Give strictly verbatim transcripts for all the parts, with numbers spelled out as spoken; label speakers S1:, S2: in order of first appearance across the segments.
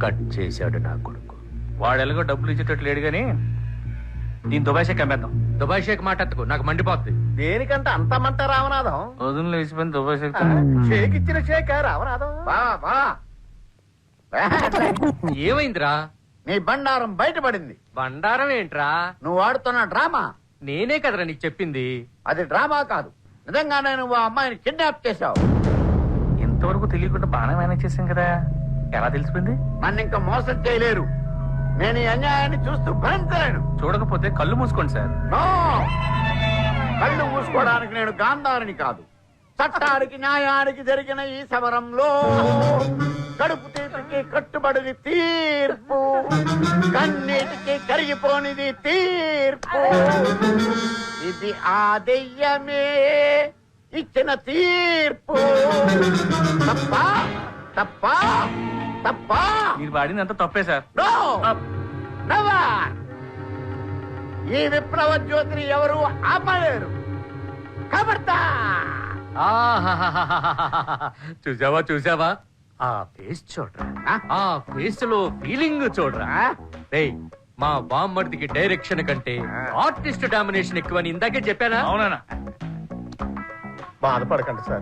S1: Cut చేశాడు నా కొడుకు. వాడు ఎలాగో డబ్బులు ఇచ్చేటట్టు లేడు గాని దీని దుబాయ్ షేక్ అమ్మేద్దాం.
S2: దుబాయ్ షేక్ మాటెత్తుకు, నాకు మండిపోద్ది.
S3: దేనికంటే అంత మంట రామనాథం?
S1: వదులు వేసిపోయిన దుబాయ్ షేక్.
S3: షేక్ ఇచ్చిన షేక్ రామనాథం.
S2: ఏమైందిరా?
S3: నీ బండారం బయటపడింది.
S2: బండారం ఏంట్రా?
S3: నువ్వు ఆడుతున్న డ్రామా.
S2: నేనే కదరా నీకు చెప్పింది.
S3: అది డ్రామా కాదు, నిజంగానే నువ్వు ఆ అమ్మాయిని కిడ్నాప్ చేశావు.
S1: ఇంతవరకు తెలియకుండా బాగా మేనేజ్ చేశాం కదా, ఎలా తెలిసిపోయింది?
S3: నన్ను ఇంకా మోసం చేయలేరు. నేను ఈ అన్యాయాన్ని చూస్తూ భరించలేను.
S1: చూడకపోతే కళ్ళు మూసుకోండి సార్.
S3: నో, కళ్ళు మూసుకోవడానికి నేను గాంధారిని కాదు. చట్టానికి న్యాయానికి జరిగిన ఈ సమరంలో కడుపు తీపికి కట్టుబడిది తీర్పు, కన్నీటికి కరిగిపోనిది తీర్పు. ఇది ఆ దెయ్యమే ఇచ్చిన తీర్పు. తప్ప తప్ప తప్ప
S1: మీరు వాడిందంతా తప్పే సార్.
S3: No, never. ఈ విప్లవ జ్యోతిని ఎవరు ఆపలేరు. కబర్దా.
S2: చూసావా చూసావా ఆ ఫేస్ చూడరా, ఆ ఫేస్ లో ఫీలింగ్ చూడరా. రేయ్, మా బామ్మర్దికి డైరెక్షన్ కంటే ఆర్టిస్ట్ డామినేషన్ ఎక్కువని ఇందాకే చెప్పానా?
S1: అవునా?
S3: బాధపడకండి సార్.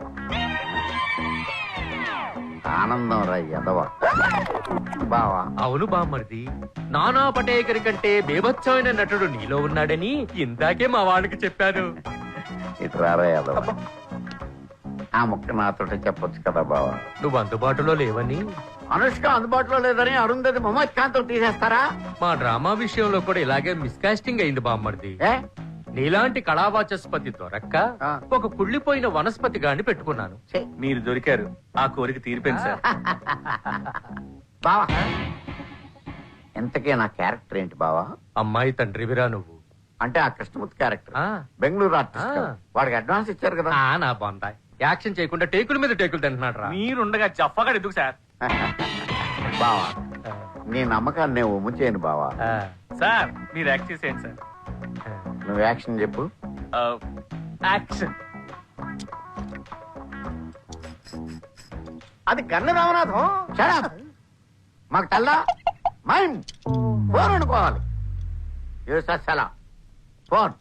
S3: ఆనందం రా ఎదవ బావా.
S2: అవును బామ్మర్ది, నానా పటేకర్ కంటే బేభత్సమైన నటుడు నీలో ఉన్నాడని ఇందాకే మా వాళ్ళకి చెప్పాను.
S3: ఇటు రారా ఎదవ. ఆ ముక్క నాతో చెప్పొచ్చు కదా బావా.
S2: నువ్వు అందుబాటులో లేవని.
S3: అనుష్క అందుబాటులో లేదని అరుంధతి మొహమ్మద్ ఖాన్ తో తీసేస్తారా?
S2: మా డ్రామా విషయంలో కూడా ఇలాగే మిస్కాస్టింగ్ అయింది బామ్మర్ది.
S3: ఏ
S2: నీలాంటి కళావాచస్పతి దొరక్క ఒక కుళ్ళిపోయిన వనస్పతి గాని పెట్టుకున్నాను.
S1: మీరు దొరికారు, ఆ కోరిక తీరిపోయింది సార్.
S3: బావా, ఇంతకీ నా క్యారెక్టర్ ఏంటి బావా?
S2: అమ్మాయి తండ్రివిరా నువ్వు.
S3: అంటే ఆ కృష్ణమూర్తి క్యారెక్టర్,
S2: ఆ.
S3: బెంగళూరు ఆర్టిస్ట్. వాడికి అడ్వాన్స్ ఇచ్చారు కదా.
S2: ఆ, నా బాందాయ్ యాక్షన్ చేయకుండా టేకుల మీద టేకులు తింటున్నాడు రా.
S1: మీరుండగా జఫ్ఫగా ఎందుకు సార్?
S3: బావా, నీ నమ్మకాన్ని నేను ఉమ్ము చేయను బావా.
S1: సార్ మీరు యాక్ట్ చేసేయండి సార్.
S3: నువ్వు యాక్షన్ చెప్పు.
S1: యాక్షన్.
S3: అది గన్న రామనాథం. మాకు తెల్లా మైమ్ ఫోన్ అనుకోవాలి. ఫోన్.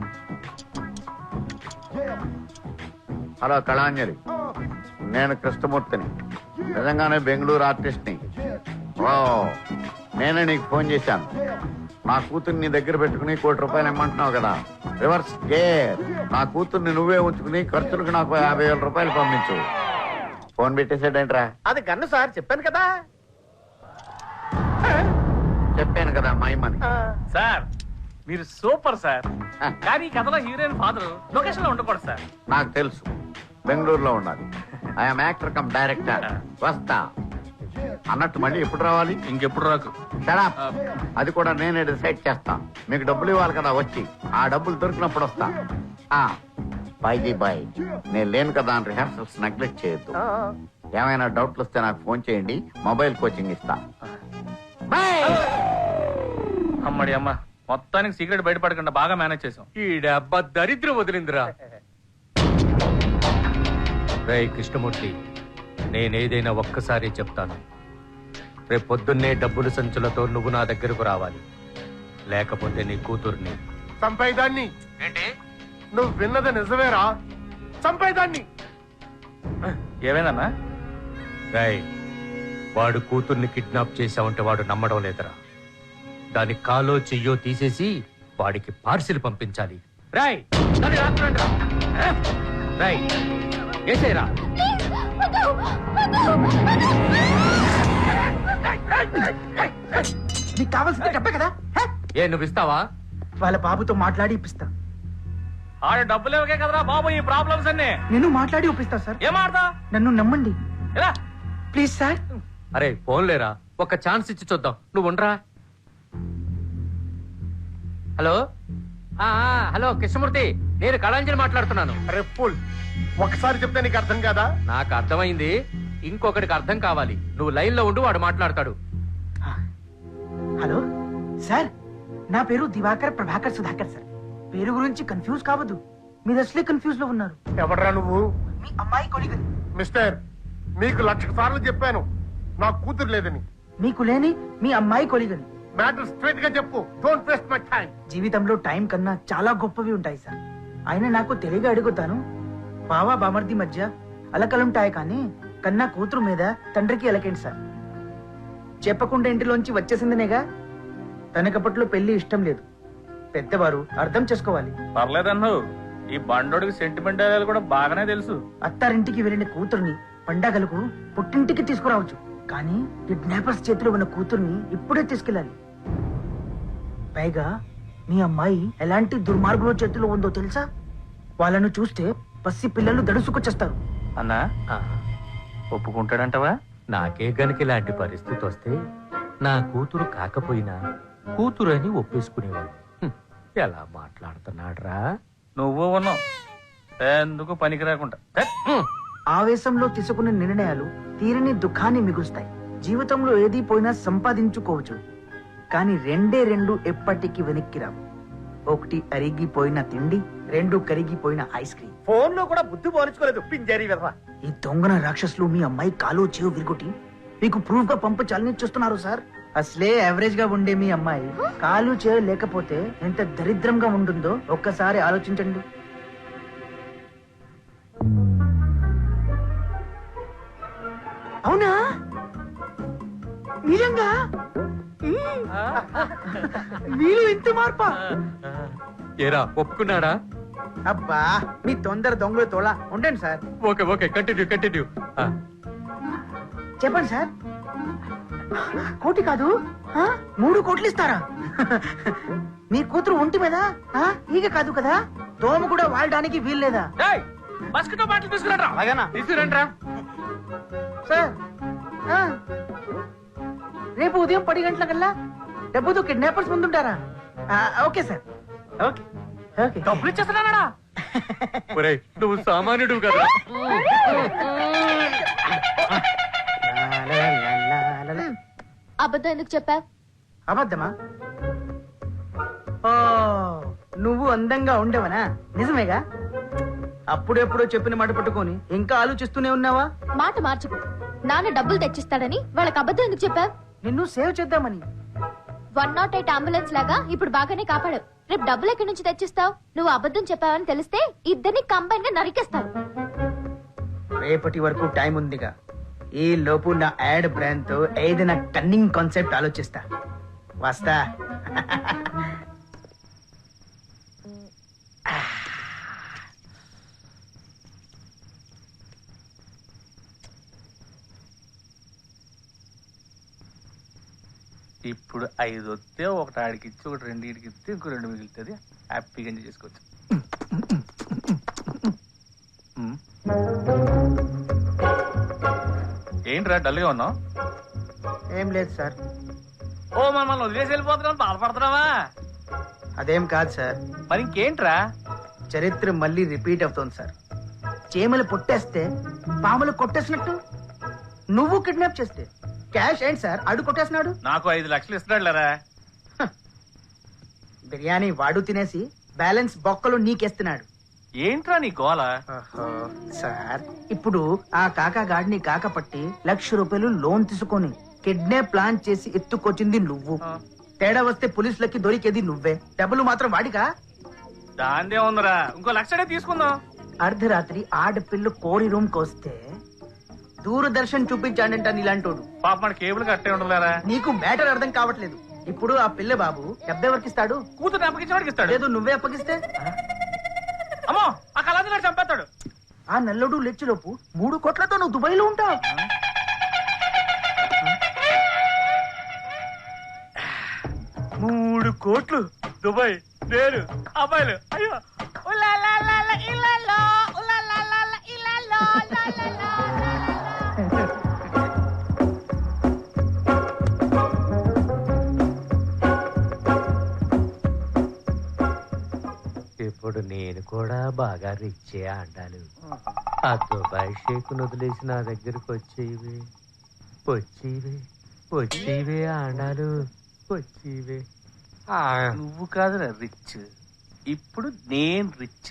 S3: హలో కళాంజలి, నేను కృష్ణమూర్తిని, నిజంగానే బెంగళూరు ఆర్టిస్ట్ ని. ఓ, నేనే నీకు ఫోన్ చేశాను. నా కూతుర్ని నీ దగ్గర పెట్టుకుని కోటి రూపాయలు ఇమ్మంటున్నావు కదా, రివర్స్ గేర్. నా కూతుర్ని నువ్వే ఉంచుకుని ఖర్చులకు నాకు యాభై వేల రూపాయలు పంపించు. ఫోన్ పెట్టేసాడేంట్రా?
S4: అది గన్ను సార్, చెప్పాను కదా.
S3: చెప్పాను కదా మైమని.
S1: సార్ మీరు సూపర్ సార్. కానీ ఈ కథలో హీరోయిన్ ఫాదర్ లొకేషన్ లో ఉండకూడదు సార్.
S3: నాకు తెలుసు, బెంగళూరులో ఉండాలి. I'm actor come director. వస్తా అన్నట్టు మళ్ళీ ఎప్పుడు రావాలి?
S1: ఇంకెప్పుడు రాకు.
S3: షడప్. అది కూడా నేనే డిసైడ్ చేస్తా. మీకు డబ్బులు ఇవ్వాలి కదా, వచ్చి ఆ డబ్బులు దొరికినప్పుడు వస్తా. బైజీ బాయ్, నేను లేను కదా అని రిహార్సల్స్ నెగ్లెక్ట్ చేయొద్దు. ఏమైనా డౌట్లు వస్తే నాకు ఫోన్ చేయండి, మొబైల్ కోచింగ్ ఇస్తా.
S1: అమ్మడి అమ్మ, మొత్తానికి సీక్రెట్ బయటపడకుండా బాగా మేనేజ్ చేసాం.
S2: ఈ డబ్బా దరిద్రం వదిలిందిరా. రే కృష్ణమూర్తి, నేనేదైనా ఒక్కసారి చెప్తాను. రేపు పొద్దున్నే డబ్బులు సంచులతో నువ్వు నా దగ్గరకు రావాలి, లేకపోతే నీ కూతుర్ని
S4: చంపేదాన్ని.
S1: ఏంటి
S4: నువ్వు విన్నది నిజమేరా? చంపేదాన్ని.
S1: ఏమైందన్నా?
S2: రాయ్, వాడు కూతుర్ని కిడ్నాప్ చేశావంటే వాడు నమ్మడం లేదరా. దాని కాలో చెయ్యో తీసేసి వాడికి పార్సిల్ పంపించాలి. రాయ్, దాన్ని రాత్రండి రా. రాయ్, ఏసేరా.
S5: నీకు కావాల్సింది డబ్బే కదా.
S2: ఏ నువ్వు ఇస్తావా?
S5: వాళ్ళ బాబుతో మాట్లాడి ఇప్పిస్తా.
S1: ఆడ డబ్బులు ఇవ్వకే కదరా బాబు ఈ ప్రాబ్లమ్స్ అన్ని.
S5: నేను మాట్లాడి ఒప్పిస్తా సార్.
S1: ఏం ఆడతా?
S5: నన్ను నమ్మండి
S1: ఎలా?
S5: Please sir.
S2: అరే ఫోన్ లేరా, ఒక ఛాన్స్ ఇచ్చి చూద్దాం. నువ్వు ఉండరా. హలో ఆ హలో కృష్ణమూర్తి, నేను కళాంజలి మాట్లాడుతున్నాను.
S4: అరే ఫుల్, ఒకసారి చెప్తే నీకు అర్థం కాదా?
S2: నాకు అర్థమైంది, ఇంకొకటికి అర్థం కావాలి. నువ్వు లైన్ లో ఉండు, వాడు మాట్లాడతాడు.
S5: హలో సార్, నా పేరు దివాకర్ ప్రభాకర్ సుధాకర్ సార్. పేరు గురించి కన్ఫ్యూజ్ కావద్దు, మీరు అసలే కన్ఫ్యూజ్ లో ఉన్నారు.
S4: ఎవడరా నువ్వు?
S5: మీ అమ్మాయి కొలిగని.
S4: మిస్టర్, మీకు లక్ష సార్లు చెప్పాను నా కూతురు లేదని.
S5: మీకు లేని మీ అమ్మాయి కొలిగని.
S4: మ్యాటర్ స్ట్రైట్ గా చెప్పు. Don't waste my time.
S5: జీవితంలో టైం కన్నా చాలా గొప్పవి ఉంటాయి సార్. ఆయన నాకు తెలియగా అడుగుతాను, బావా బామర్ది మధ్య అలకలుంటాయి కానీ కన్నా కూతురు మీద తండ్రికి అలకేంటి సార్? చెప్పకుండా ఇంటిలోంచి వచ్చేసిందనేగా. తనకప్పట్లో పెళ్లి ఇష్టం లేదు. పెద్దవారు అర్థం చేసుకోవాలి.
S1: పర్లేదన్ను, ఈ బండోడికి సెంటిమెంట్ కూడా బాగానే తెలుసు.
S5: అత్తారింటికి వెళ్ళిన కూతుర్ని పండగలకు పుట్టింటికి తీసుకురావచ్చు, కానీ కిడ్నాపర్స్ చేతిలో ఉన్న కూతుర్ని ఇప్పుడే తీసుకెళ్ళాలి. పైగా మీ అమ్మాయి ఎలాంటి దుర్మార్గుల చేతిలో ఉందో తెలుసా? వాళ్ళను చూస్తే పసి పిల్లలు దడుసుకొచ్చేస్తారు.
S1: అన్నా
S2: ఆ,
S1: ఒప్పుకుంటాడంటవా?
S2: నాకే గనుక ఇలాంటి పరిస్థితి వస్తే నా కూతురు కాకపోయినా కూతురు అని ఒప్పేసుకునేవాడు. హ్మ్, ఎలా మాట్లాడుతున్నాడ్రా?
S1: నువ్వు ఉన్నావు ఎందుకు పనికి రాకుండా.
S5: ఆవేశంలో తీసుకున్న నిర్ణయాలు తీరని దుఃఖాన్ని మిగులుస్తాయి. జీవితంలో ఏది పోయినా సంపాదించుకోవచ్చు, కానీ రెండే రెండు ఎప్పటికీ వెనక్కి రావు. ఒకటి అరిగిపోయిన తిండి, రెండు కరిగిపోయిన ఐస్ క్రీమ్.
S4: ఫోన్ లో కూడా బుద్ధి పోల్చుకోలేదు పింజారీ వెధవ.
S5: ఈ దొంగన రాక్షసులు మీ అమ్మాయి కాలు చెవు విరుగుటి మీకు ప్రూఫ్ గా పంపించాలని చూస్తున్నారు సార్. అసలే యావరేజ్ గా ఉండే మీ అమ్మాయి కాలు చెవు లేకపోతే ఎంత దరిద్రంగా ఉంటుందో ఒక్కసారి ఆలోచించండి. అవునా? నిజంగా మీరు ఇంత మార్పా?
S2: ఏరా ఒప్పుకున్నాడా?
S5: అబ్బా మీ తొందర దొంగలు తోలా ఉండండి sir.
S2: Okay okay continue continue.
S5: చెప్పండి సార్. కోటి కాదు, ఆ? మూడు కోట్లు ఇస్తారా? మీ కూతురు ఒంటి మీద ఆ? ఈగ కాదు కదా, దోమ కూడా వాడడానికి వీల్లేదా?
S1: మస్కిటో బాటిల్ తీసుకురండి.
S4: అలాగేనా?
S1: తీసుకురండి.
S5: సార్ ఆ? రేపు ఉదయం పది గంటలకల్లా డబ్బుతో కిడ్నాపర్స్ ముందుంటారా? ఆ, ఓకే సార్, ఓకే ఓకే.
S1: డబ్బులు ఇచ్చేస్తున్నాడా?
S2: ఒరేయ్, నువ్వు సామాన్యుడు కదా.
S6: అబద్ధం ఎందుకు చెప్పావు?
S5: అబద్ధమా? ఓ, నువ్వు అందంగా ఉండేవనా? నిజమేగా? అప్పుడెప్పుడో చెప్పిన మాట పట్టుకొని ఇంకా ఆలోచిస్తూనే ఉన్నావా?
S6: మాట మార్చుకు. నాన్న డబ్బులు తెచ్చిస్తాడని వాళ్ళకి అబద్ధం ఎందుకు చెప్పావు?
S5: నిన్ను సేవ్ చేద్దామని.
S6: వన్ నాట్ ఎయిట్ అంబులెన్స్ లాగా ఇప్పుడు బాగానే కాపాడు. రేపు డబ్బులు ఎక్కడి నుంచి తెచ్చిస్తావు? నువ్వు అబద్ధం చెప్పావని తెలిస్తే ఇద్దరిని కంబైన్ గా నరికేస్తారు.
S5: రేపటి వరకు టైం ఉందిగా. ఈ లోపు నా యాడ్ బ్రాండ్ తో ఏదైనా కన్నింగ్ కాన్సెప్ట్ ఆలోచిస్తా. వస్తా.
S1: ఇప్పుడు ఐదు వస్తే ఒకటి ఆడికి ఇచ్చి ఒకటి రెండు ఇడికి ఇస్తే ఇంకో రెండు మిగులుతుంది. హ్యాపీగా ఎంజాయ్ చేసుకోవచ్చు. ఉమ్. ఏంట్రా డల్గా ఉన్నావు?
S5: ఏం లేదు సార్.
S1: ఓ మనం మనం వదిలేసి వెళ్ళిపోతున్నాం, బాధపడుతున్నావా?
S5: అదేం కాదు సార్.
S1: మరి ఇంకేంట్రా?
S5: చరిత్ర మళ్ళీ రిపీట్ అవుతోంది సార్. చీమలు పొట్టేస్తే పాములు కొట్టేసినట్టు నువ్వు కిడ్నాప్ చేస్తే క్యాష్ ఏంటి సార్ అడు కొట్టేసినాడు.
S1: నాకు ఐదు లక్షలు ఇస్తున్నాడు లేరా?
S5: బిర్యానీ వాడు తినేసి బ్యాలెన్స్ బొక్కలు నీకేస్తున్నాడు.
S1: ఏంట్రా నీ గోల?
S5: సార్ ఇప్పుడు ఆ కాకా గాడిని కాకపట్టి లక్ష రూపాయలు లోన్ తీసుకొని కిడ్నాప్ ప్లాన్ చేసి ఎత్తుకొచ్చింది నువ్వు. తేడా వస్తే పోలీసులకి దొరికేది నువ్వే. డబ్బులు మాత్రం వాడికా?
S1: దాందే ఉందిరా, ఇంకో లక్షడే తీసుకుందాం.
S5: అర్ధరాత్రి ఆడపిల్లు కోరి రూమ్ కొస్తే దూరదర్శన్ చూపించాడంట నీలాంటోడు.
S1: పాప మన కేబుల్ కట్టే ఉండలేరా?
S5: నీకు మ్యాటర్ అర్థం కావట్లేదు. ఇప్పుడు ఆ పిల్ల బాబు డబ్బెవరికి ఇస్తాడు?
S1: కూతురు అప్పగించేవాడికి ఇస్తాడు.
S5: లేదు నువ్వే అప్పగిస్తే?
S1: అమ్మో, ఆ కళాది గారు చంపేస్తాడు.
S5: ఆ నల్లుడు లెచ్చిలోపు మూడు కోట్లతో నువ్వు దుబాయ్ లో ఉంటావు.
S1: మూడు కోట్లు దుబాయ్, నేను అబ్బాయిలు. అయ్యో ఉలాలాలాలా ఇలాలో, ఉలాలాలాలా ఇలాలో, లాలాలా.
S2: ఇప్పుడు నేను కూడా బాగా రిచ్చే అంటాను. ఆ దుబాయ్ షేక్ వదిలేసి నా దగ్గరకు వచ్చేవి వచ్చేవి వచ్చేవే ఆండాలు వచ్చేవే.
S1: నువ్వు కాదురా రిచ్, ఇప్పుడు నేను రిచ్.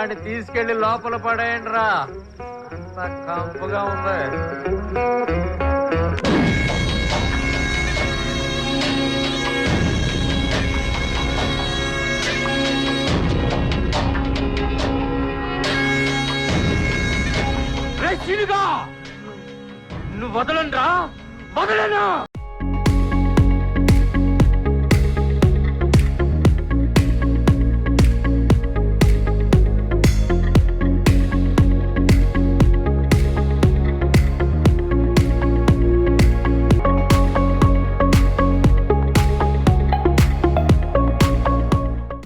S2: వాడిని తీసుకెళ్లి లోపల పడేయండి రా కంపుగా ఉంది. రే, చిలుగా! నువ్వు వదలండ్రా, వదలను.